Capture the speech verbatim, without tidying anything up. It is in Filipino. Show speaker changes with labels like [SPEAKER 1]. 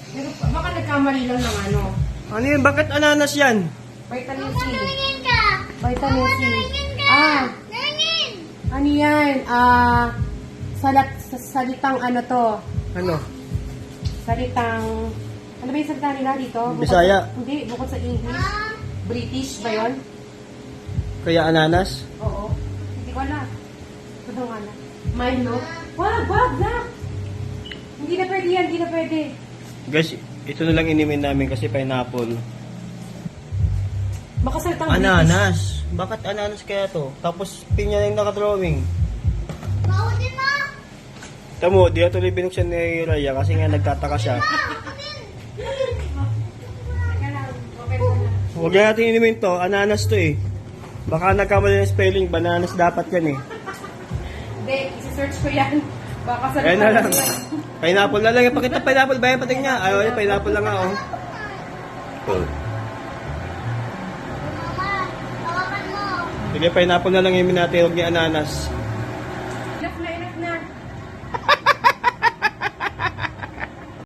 [SPEAKER 1] Pero baka nagkamali lang ng ano.
[SPEAKER 2] Ano yun? Bakit ananas yan?
[SPEAKER 1] Vitamin C.
[SPEAKER 3] Tingin ka.
[SPEAKER 1] Vitamin C.
[SPEAKER 3] Tingin ka.
[SPEAKER 1] Ah,
[SPEAKER 3] Tingin.
[SPEAKER 1] ano yan? Ah, salat, sa- salitang ano to?
[SPEAKER 2] Ano?
[SPEAKER 1] Salitang, ano ba yung salita nila dito? Bukod
[SPEAKER 2] Bisaya.
[SPEAKER 1] sa- hindi, bukod sa English.
[SPEAKER 3] Ah,
[SPEAKER 1] British ba yun?
[SPEAKER 2] Kaya ananas?
[SPEAKER 1] Oo. Hindi ko alam. Ano nga na? Milo? Wag, wag, wag! Hindi na pwede yan, hindi na pwede.
[SPEAKER 2] Guys, ito na lang inimin namin kasi pineapple.
[SPEAKER 1] Baka salitang British.
[SPEAKER 2] Ananas. Bakit ananas kaya to? Tapos pinya na yung nakadrawing.
[SPEAKER 3] Maudin mo.
[SPEAKER 2] Tamo, di na tuloy binuksan ni Raya kasi nga nagtataka siya.
[SPEAKER 1] Teka lang, open ko na.
[SPEAKER 2] Huwag na natin inimin to. Ananas to eh. Baka nagkamali ng spelling. Bananas dapat yan eh.
[SPEAKER 1] Hindi, isi-search ko yan. Baka sa
[SPEAKER 2] Ayan na lang. Pineapple na lang. Pakita pineapple ba yan? Pating niya. Ayaw niya. Pineapple lang nga oh.
[SPEAKER 3] Mama, tawakan mo.
[SPEAKER 2] Sige, pineapple na lang imin natin. Huwag niya ananas.
[SPEAKER 1] Enough na, enough na.